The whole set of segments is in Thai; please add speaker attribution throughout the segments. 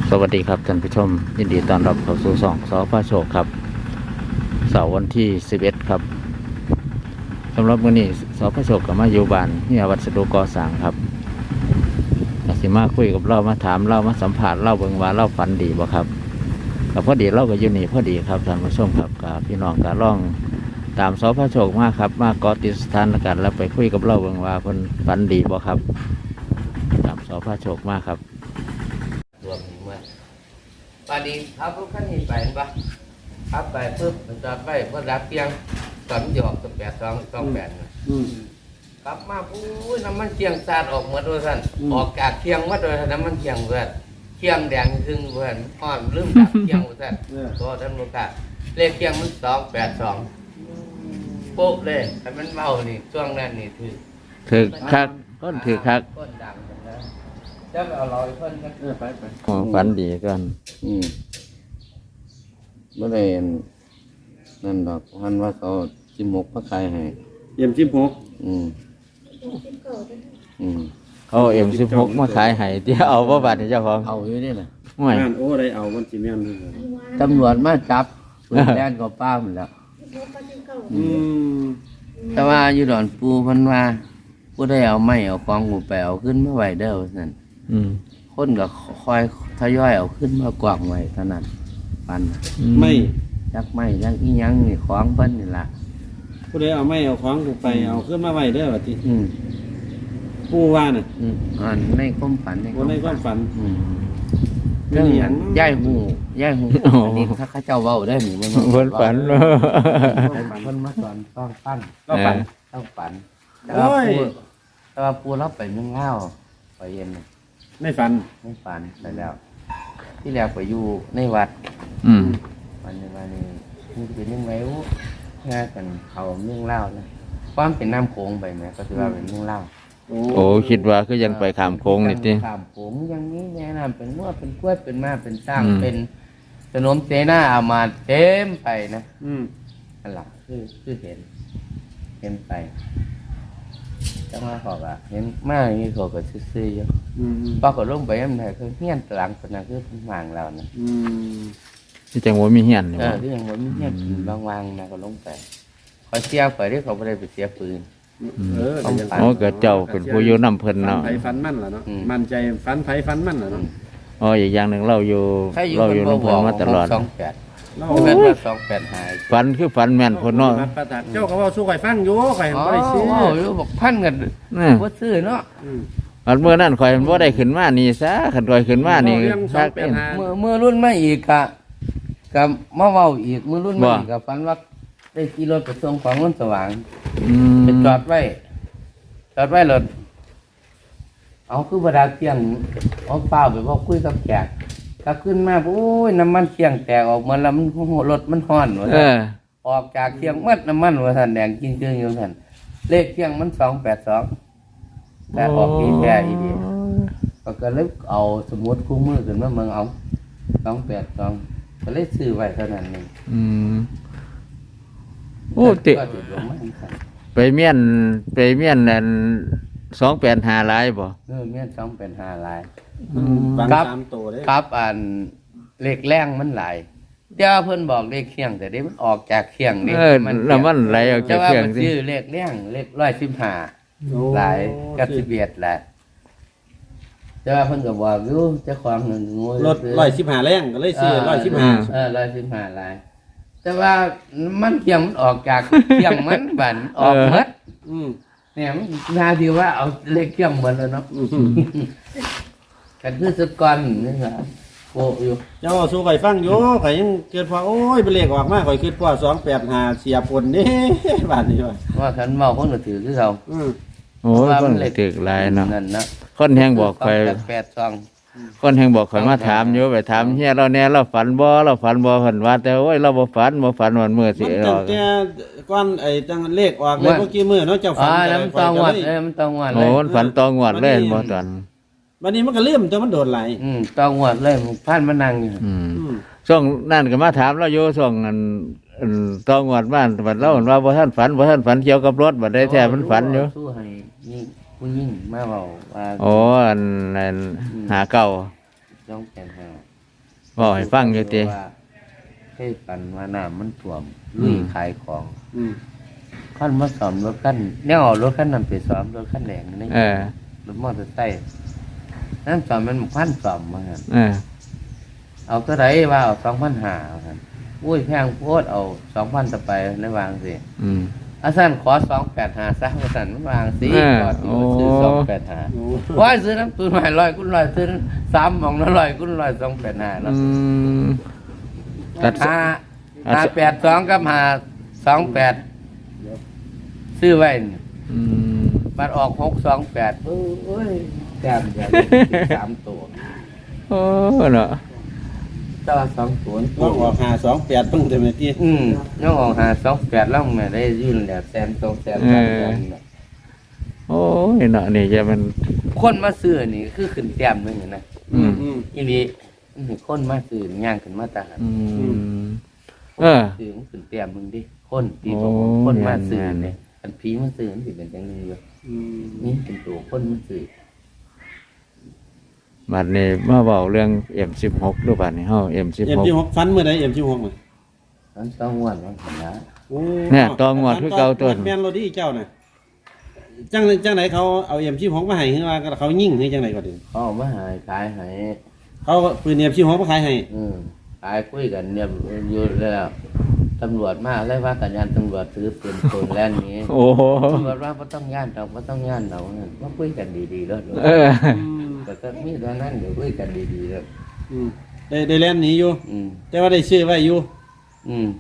Speaker 1: สวัสดีครับท่านผู้ชมยินดีต้อนรับเข้าสู่ช่องสพโชคครับเสาร์วันที่11ครับสำหรับมื้อนี้สพโชคก็มาอยู่บ้านนี่วัสดุก่อสร้างครับอาสิมาคุยกับเรามาถามเรามาสัมผัสเราเบิ่งว่าเราฝันดีบ่ครับกับพอดีเราก็อยู่นี่พอดีครับท่านผู้ชมครับกับพี่น้องก็ล่องตามสพโชคมาครับมาเกาะติดสถานการณ์แล้วไปคุยกับเราเบิ่งว่าเพิ่นฝันดีบ่ครับตามสพโชคมาครับ
Speaker 2: รวมเมื่อวันนี้ขับรถคันนี้ไปเห็นปะขับไปปุ๊บมันจอดไปพอรับเพียงตอนหยอกกับ8228กลับมาปุ้ยน้ำมันเคียงสาดออกหมดด้วยท่านออกจากเคียงหมดด้วยน้ำมันเคียงเพื่อนเคียงแดงครึ่งเพื่อนอ่อนลืมดับเคียงเพื่อนตัวท่านลูกค้าเลขเคียงมัน282โป๊ะเลยแต่มันเมานี่ช่วงนั้นนี่
Speaker 1: ถือคักต้นถือคัก
Speaker 2: ต้นดังนะจะไปเอาลอยเพิ่นกันไป
Speaker 1: ฝันดีกัน
Speaker 2: เมื่อไรนั่นดอกพันว่าเขา16มาขายให้
Speaker 3: เยี่ยม16
Speaker 1: เขาM16มาขายให้ที่เอาบ่บาดนี่เจ้าของ
Speaker 2: เอาอยู่นี่แหละ
Speaker 1: ห่วย
Speaker 3: โอ้ได้เอามันสิแม่นนี่
Speaker 2: ตำรวจมาจับแล่นก็ป้าหมดแล้วแต่ว่าอยู่ดอนปูเพิ่นว่าผู้ได้เอาไม้เอากองหูไปเอาขึ้นมาไว้เด้อนั่นคนก็คอยทยอยเอาขึ้นมากวางไว้เท่านั้นปัน
Speaker 3: ไม่
Speaker 2: จักไม่จักอีหยังนี่ของเพิ่นนี่ล่ะ
Speaker 3: ผู้ใดเอาไม้เอาของไปเอาขึ้นมาไว้เด้อว่าติผู้ว่าน่ะ
Speaker 2: ในความฝัน
Speaker 3: ในความฝัน
Speaker 2: เรื่องย่ายหูอันนี้ถ้าเขาเจ้าเว้าได้หนิมัน
Speaker 1: เพิ่นฝัน
Speaker 2: เพิ่นมาสอนต้องปั้นต้องฝันแต่ว่าปูรับไปเมืองเล่าไปเย็น
Speaker 3: ไม่ฝัน
Speaker 2: ไปแล้วที่แรกไปอยู่ในวัดวันนี้นี่เป็นยังไงวะงานกันเขาเมืองเล่านะความเป็นน้ำโขงไปไหมก็ถือว่าเป็นเมืองเล่า
Speaker 1: โอ้คิดว่าคือยังไปขามโค้งนี่ติ
Speaker 2: ขามโขงอย่างนี้แนะนำเป็นนวดเป็นกล้วยเป็นม้าเป็นสร้างเป็นขนมเจน่าเอามาเต็มไปนะอันหลักคือเห็นไปจังว่าเขาก็เห็นมากอย่างนี้เขาก็ซื่อๆอยู่พอเขาลงไปมันได้คือเฮี้ยนหลังคนนั้นคือหมางเรานะ
Speaker 1: ที่จังหวัดมีเฮี้ยน
Speaker 2: ที่จังหวัดมีเฮี้ยนวางๆนะเขาลงไปเขาเสียไปที่เขาไม่ได้ไปเสียปืน
Speaker 1: เกิดเจ้าเป็นผู้อยู่นำเพิ่นเนาะ
Speaker 3: ไผฟันมั่นล่ะเนาะมั่นใจฟันไผฟันมั่นล่ะเนาะ
Speaker 1: อีกอย่างหนึ่งเราอยู่นำเพิ่นมาตลอด
Speaker 2: เราแม่นว่า28หาย
Speaker 1: ฝันคือฝันแม่นคนเนาะ
Speaker 3: เจ้าก็เว้าสู้ข่อยฟังอยู่ข่อยบ่ได้ซื้อ
Speaker 2: อยู่บอกพันกันบ่ซื้อเนาะ
Speaker 1: อันเมื่อนั้นข่อยบ่ได้ขึ้นมานี่ซะคันข่อยขึ้นมานี่
Speaker 2: ซักเป็นเมื่อรุ่นมาอีกก็มาเว้าอีกมื้อรุ่นมาอีกก็ฝันว่าได้ขี่รถไปส่งของมันสว่างไปจอดไว้รถเอาคือบดาเที่ยงเอาเปล่าไปพอคุยกับแขกก็ขึ้นมาโอ้ยน้ำมันเที่ยงแตกออกมาแล้วมันรถมันฮ้อนว่าออกจากเที่ยงมัดน้ำมันว่าท่านแดงกินเกลืออยู่ท่านเลขเที่ยงมัน282แต่ออกดีแท้อีดีก็เลยเอาสมุดคู่มือขึ้นมาเมืองเอา282ก็เลยซื้อไว้เท่านั้นเอง
Speaker 1: โอ้ติไปเมียนนั่น285หลายบ่
Speaker 2: เมียน285หลาย
Speaker 3: ครับ
Speaker 2: อันเลขแรงมันหลายเจ้าเพิ่นบอกเลขเคียงแต่เด้มันออกจากเคียงนี่
Speaker 1: มันไหลออกจากเคียง
Speaker 2: สิชื่อเลขแรงเลข115หลายกับ11แหละแต่ว่าเพิ่นก็บอกอยู่เจ้าของนึง
Speaker 3: รถ115แรงก็เลยซื้อ115
Speaker 2: 115หลายแต่ว่ามันเคียงมันออกจากเคียงมันบันออกหมดเนี่ยมันนาทีว่าเอาเลขเคียงหมดแล้วเนาะกันคือสุดก่อนนี่ครับโอ้อยู่
Speaker 3: เจ้าสู้ข่อยฟังอยู่ข่อยยังเกิดพอโอ้ยเป็นเลขออกมาข่อยคิดพอ285เสียผลนี่บาดนี้
Speaker 2: ว่าคันเมาเพิ่นก็ถือคือเขา
Speaker 1: โอ้ยเพิ่นถือหลายเนาะ
Speaker 2: นั่นนะ
Speaker 1: คนแฮงบอกข่อยคนแห่งบอกข่อยมาถามอยู่ไปถามเฮียเราแน่เราฝันบ่เพิ่นว่าแต่โอ้ยเราบ่ฝันวันมื้อสิ
Speaker 3: ออกแต่ก่อนไอ้จังเลขออกเลยเมื่อกี้มื้อเนาะเจ้าฝัน
Speaker 2: มันต้องงวดมันต้องงวดเลย
Speaker 1: โอ้ฝันต้องงวดเลยบ่ตอน
Speaker 3: วันนี้มันก็ลืมแต่มันโดนไหล
Speaker 2: ต้องงวดเลยพันมานั่งอยู่
Speaker 1: ช่วงนั้นก็มาถามเราอยู่ช่วงนั้นต้องงวดบ้านบัดเราว่าบ่ทันฝันเกี่ยวกับรถบัดได้แท้มันฝันอยู่
Speaker 2: สู้ให้นี่ผู้หญิงมาเว้าว่า
Speaker 1: อันนั้นหาเก่า
Speaker 2: ต้องแก่นหา
Speaker 1: บอกให้ฟังอยู่ติ
Speaker 2: ว่าให้กันว่าน้ำมันท่วมลุยขายของ
Speaker 3: อืม
Speaker 2: ขั้นมาสอมรถขั้นเนี่ยเอารถขั้นนั้นไปซ้อมรถขั้นแดงนี่
Speaker 1: เออ
Speaker 2: รถมอเตอร์ไซค์นั่นสอมมันพันสอมมาครับ
Speaker 1: เออ
Speaker 2: เอาเท่าไรว่าเอา2,500ครับอุ้ยแพงโพดเอา2,000ต่อไปในวางสิ
Speaker 1: อืม
Speaker 2: อาสันขอ285ซะอาสันมันวางสิ
Speaker 1: เออ
Speaker 2: ก่อนที่มันซื้อ
Speaker 1: โอ้
Speaker 2: 285
Speaker 3: โอ้
Speaker 2: ว่าซื้อน้ำตูนใหม่100 กุ้น100ซื้อ3หม่องละ100 กุ้น100 285แล้ว
Speaker 1: อืม ตัด
Speaker 2: 582กับ528ซื้อไว้นี่
Speaker 1: อืม
Speaker 2: มันออก628โอ้ยแต้มเดียว3ตัว
Speaker 1: โอ้เนาะ
Speaker 2: ต่อ2ตัว
Speaker 3: ต้องออก528ต้องเต็มที่
Speaker 2: น้องออก528แล้วแม่ได้ยื่นแล้ว100,000 200,000 300,000
Speaker 1: โอ้ยเนาะนี่จะมัน
Speaker 2: คนมาซื้อนี่คือขึ้นแต้มหนึงนะ
Speaker 1: อืม
Speaker 2: อีนี้คนมาซื้อย่างขึ้นมาตาหัน
Speaker 1: อืมเออ
Speaker 2: ซื้อมันขึ้นแต้มหนึงดิคนที่
Speaker 1: โอ้
Speaker 2: บอกว่าคนมาซื้อ
Speaker 1: แม่นๆ
Speaker 2: เนี่ยอันผีมาซื้อมันสิเป็นจังได๋อยู่
Speaker 3: อืม
Speaker 2: นี่เป็นตัวคนมาซื้อ
Speaker 1: บัดนี้มาเว้าเรื่อง M16 ดูบัดนี้เฮา M16
Speaker 3: M16 ฟันเมื่อใด M16 น่ะ
Speaker 2: มันต้องงวดมันนะ
Speaker 3: โอ้
Speaker 1: เนี่ยตองวดคือเก่าต้น
Speaker 3: แม่นโรดี้เจ้าน่ะจังไหนเขาเอา M16 มาให้คือว่าเขายิงให้จังไหนก็ดี
Speaker 2: เขาเอามาหายขายให้
Speaker 3: เขาปืน M16 มาขายให้
Speaker 2: ขายคุยกันเนี่ยอยู่แล้วตำรวจมาเลยว่ากันยานตำรวจถือปืนโกนแล่นนี้
Speaker 1: โอ้โห
Speaker 2: ตำรวจว่าบ่ต้องย่านดอกบ่ต้องย่านดอกนั่นว่าคุยกันดีๆแล้ว
Speaker 1: เออ
Speaker 2: แต่ก็มีตอนนั้นเดี๋ยวคุยกันดีๆแล้ว
Speaker 3: อืมได้แล่นหนีอยู่
Speaker 2: อืม
Speaker 3: แต่ว่าได้ซื้อไว้อยู่
Speaker 2: อืม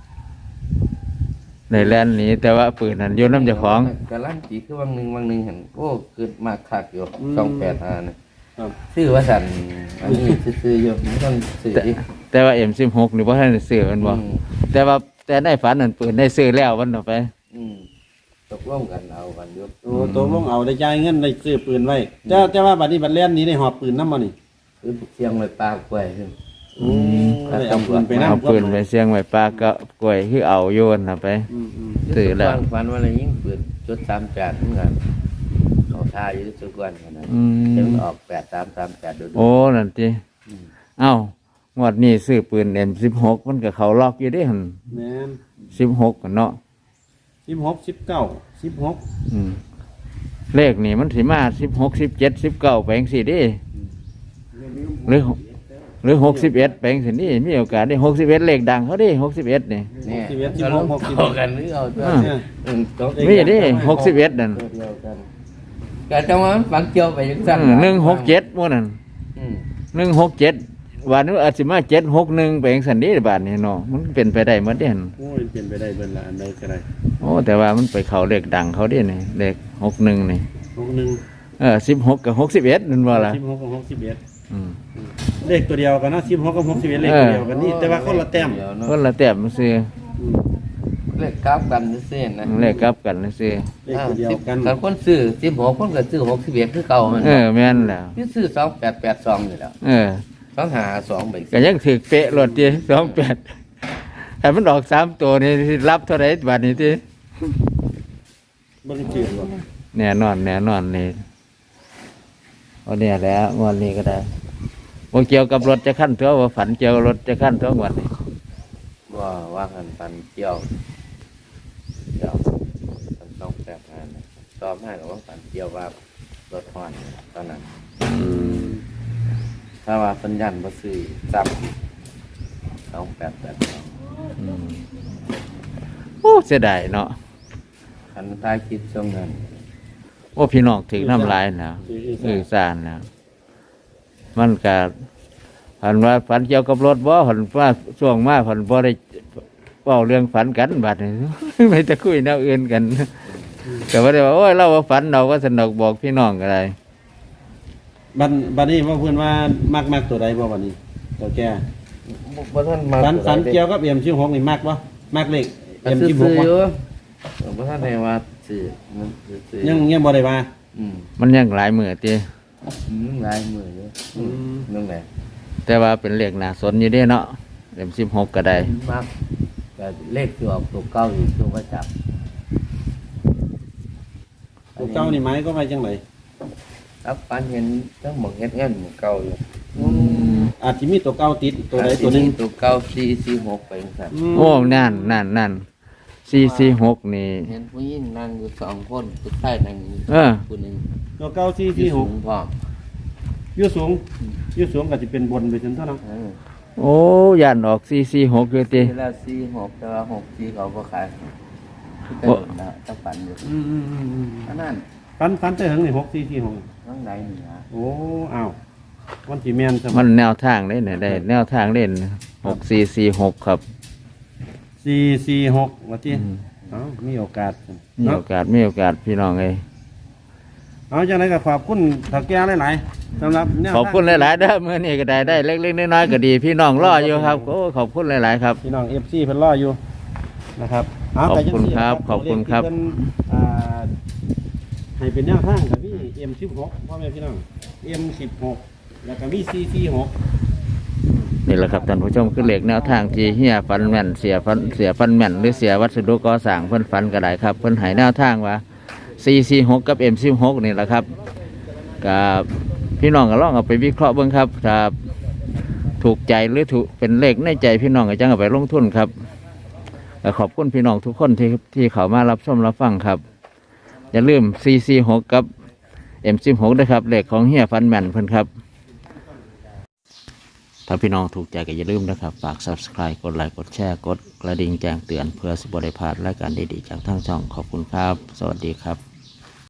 Speaker 1: ในแลนด์หนี้แต่ว่าปืนนั้นอยู่น้ำเจ้าของ
Speaker 2: กะลั่นจีคือวังหนึ่งเห็นโอ้คือมากคักอยู่285นะครับ ซื้อว่าสั่นอันนี้ซื้อๆอยู่ไม่ต้องซื้อดิ
Speaker 1: แต่ว่า M16 นี่บ่ทันได้ซื้อมันบ่
Speaker 2: อืม
Speaker 1: แต่ว่าแต่ในฝันนั้นปืนได้ซื้อแล้วมันเอาไป
Speaker 2: อืมตกลงกันเอากันอยู่
Speaker 3: โอ้ตัวลงเอาได้จ่ายเงินได้ซื้อปืนไว้แต่ว่าบัดนี้บัดแล่นหนี้ได้หอบปืนนำบ่นี่
Speaker 2: คือเสียงไว้ปากไว้ขึ้น
Speaker 3: อืมได้เอาปืนไปนำ
Speaker 1: เอาปืนไปเสียงไว้ปากก็กล้วยคือเอาโยนน่ะไป
Speaker 3: อืม
Speaker 1: ซื้อแล้ว
Speaker 2: ฟันว่าอะไรยิ่งปืนจุด38เหมือนกันเขาท่าอยู่ทุกวันขนาด
Speaker 1: อื
Speaker 2: ถึง
Speaker 1: ม
Speaker 2: ออก8338ดู
Speaker 1: โอ้นั่นติเอ้างวดนี้ซื้อปืน M16 มันก็เข้าล็อกอยู่เด้หั่น
Speaker 3: แม่น
Speaker 1: 16กันเนาะ
Speaker 3: 16 19 16
Speaker 1: อืมเลขนี่มันสิมา16 17 19ไปจังซี่เด้หรือ61ไปจังซี่นี่มีโอกาสได้61เลขดังเขาเด้61นี่
Speaker 2: เนี่ย
Speaker 3: 61
Speaker 2: ก็ลงต่อกันหรือเอาตัว
Speaker 1: อ่า
Speaker 2: ตก
Speaker 1: มีเด้61นั่น
Speaker 2: ตัวเดียวกันก็จังว่ามันฝังเกี่ยวไปจังซั่น
Speaker 1: 167หมู่นั่น
Speaker 2: อืม
Speaker 1: 167วันนี้อาจสิมา761ไปจังซั่นเด้บาดนี้เนาะมันเป็นไปได้หมดเด้หั่น
Speaker 3: โอ้ยเป็นไปได้เบิ่นละอันใดก็ได้
Speaker 1: โอ้แต่ว่ามันไปเข้าเลขดังเขาเด้นี่เลข61นี่
Speaker 3: 61
Speaker 1: 16กับ61นั่นบ่ล่ะ
Speaker 3: 16กับ61
Speaker 1: อืม
Speaker 3: เลขตัวเดียวกันเนาะ16กับ61เลขตัวเดียวกันนี่แต่ว่าคนละแต้ม
Speaker 2: เดียวเนาะ
Speaker 1: คนละแต้มซื่อ
Speaker 3: อืม
Speaker 2: เลขกราฟกันซื่อๆนะ
Speaker 1: เลขกลับกันซื่อ
Speaker 3: เลขตัวเดียวกัน
Speaker 2: คันคนซื้อ16คนก็ซื้อ61คือเก่ามัน
Speaker 1: แม่นแล้ว
Speaker 2: นี่ซื้อ2882นี่แหล้ว 252ไป
Speaker 1: ก็ยังถือเป๊ะรถที่28ถ้ามันออก3ตัวนี่สิรับเท่าไหร่บาดนี้ติ
Speaker 3: เบิ่งชื่อบ่
Speaker 1: แน่นอนนี่เอาเนี่ยแหล้วงวดนี้ก็ได้บ่เกี่ยวกับรถจะขั้นตัวว่าฝันเกี่ยวกับรถจะขั้นตัวงวดนี้
Speaker 2: ว่ากันปันเกี่ยวปัน285นะตอบให้กับว่าปันเกี่ยวว่ารถฮอนตอนนั้นถ้าว่าสัญญาณบ่ซื้อซ้ำ2882
Speaker 1: อืมโอ้เสียดายเนาะ
Speaker 2: คันตายคิดช่วงนั้น
Speaker 1: โอ้พี่น้องถึงน้ำลายแล้วสารแล้วมันก็ผันว่าฝันเกี่ยวกับรถบ่ผันว่าช่วงมาผันบ่ได้เว้าเรื่องฝันกันบัดนี้ ไม่จะคุยแนวอื่นกันแต่ว่าได้ว่าโอ้ยเราว่าฝันเราก็สนุกบอกพี่น้องก็ได้
Speaker 3: บัดนี้ว่าเพิ่นว่ามักตัวใดบ่บัดนี้ตัวแก่
Speaker 2: บ่ทันมา
Speaker 3: ฝันเกี่ยวกับM16นี่มักบ่มักเลข
Speaker 2: ซื้อ
Speaker 3: M16 บ่
Speaker 2: อยู่บ่ทันได้ว่าซื้อมันซื้อ
Speaker 3: ยังบ่ได้ว่า
Speaker 1: มันยังหลายมือติ
Speaker 2: หลายมื้ออยู่นึงแหละ
Speaker 1: แต่ว่าเป็นเลขน่าสนอยู่เด้เนาะ16ก็ได้
Speaker 2: มากแต่เลขที่ออกตัวเก้าอยู่ตัวประจับ
Speaker 3: ตัวเก่านี่หมายก็ว่าจังได๋
Speaker 2: ครับปันเห็นทั้งหมดเฮ็ดเงินหมดเก่าอยู่
Speaker 3: อาจจะมีตัวเก่าติดตัวใดตัวหนึง
Speaker 2: ตัวเก้า446ไปครับ
Speaker 1: โอ้นั่น446นี่
Speaker 2: เห็นผู้หญิงนั่งอยู่2คนผู้ชายนั่งอยู่
Speaker 1: เออ
Speaker 2: ผู้หนึง
Speaker 3: ตัวเก่า
Speaker 2: สู
Speaker 3: 446
Speaker 2: งพร้อม
Speaker 3: อยู่สูงอยู่สูงก็จะเป็นบนไปจนเท่านั้น
Speaker 1: โอ้ยันออก446อยู่ติ
Speaker 2: ทีละ46แต่ว่า64เขาบ่ขายคือแต่นะตะปันอยู่อันนั้น
Speaker 3: ฟันแต่ถึงนี่6446
Speaker 2: ข้างในนี่นะ
Speaker 3: โอ้อ้าววันที่แม่นซะ
Speaker 1: มันแนวทางเล่นเนี่ยได้แนวทางเล่น6446ครับ
Speaker 3: 446ว่าที่เอ้ามีโอกาส
Speaker 1: มี
Speaker 3: เนาะ
Speaker 1: โอกาสพี่น้องเอ้ย
Speaker 3: เอาจังไดก็ขอบคุณถ้าแก่หลายๆสำหรับแนวทาง
Speaker 1: ขอบคุณหลายๆเด้อมื้อนี้ก็ได้เล็กๆน้อยๆก็ดีพี่น้องรออยู่ครับโอ้ขอบคุณหลายๆครับ
Speaker 3: พี่น้อง FC เพิ่นรออยู่นะครับเา
Speaker 1: ขอบคุณ
Speaker 3: แต่จังซี่
Speaker 1: ครับขอบคุณครับ
Speaker 3: เลขที่เพิ่นให้เป็นแนวทางกับมี M16 พ่อแม่พี่น้อง M16 แล้วก็มี 446
Speaker 1: นี่แหละครับท่านผู้ชมคือเหล็กแนวทางที่เฮียฟันแม่นเสียฟันแม่นหรือเสียวัสดุก่อสร้างเพิ่นฟันก็ได้ครับเพิ่นให้แนวทางว่า446กับ M16 นี่แหละครับกับพี่น้องก็ลองเอาไปวิเคราะห์เบิ่งครับถ้าถูกใจหรือถูกเป็นเลขในใจพี่น้องก็จังเอาไปลงทุนครับและขอบคุณพี่น้องทุกคนที่เข้ามารับชมรับฟังครับอย่าลืม446กับ M16 ด้วยครับเลขของเฮียฟันแม่นเพิ่นครับถ้าพี่น้องถูกใจก็อย่าลืมนะครับฝาก Subscribe กดไลค์กดแชร์กดกระดิ่งแจ้งเตือนเพื่อสิบได้พลาดรายการดีๆจากทางช่องขอบคุณครับสวัสดีครับ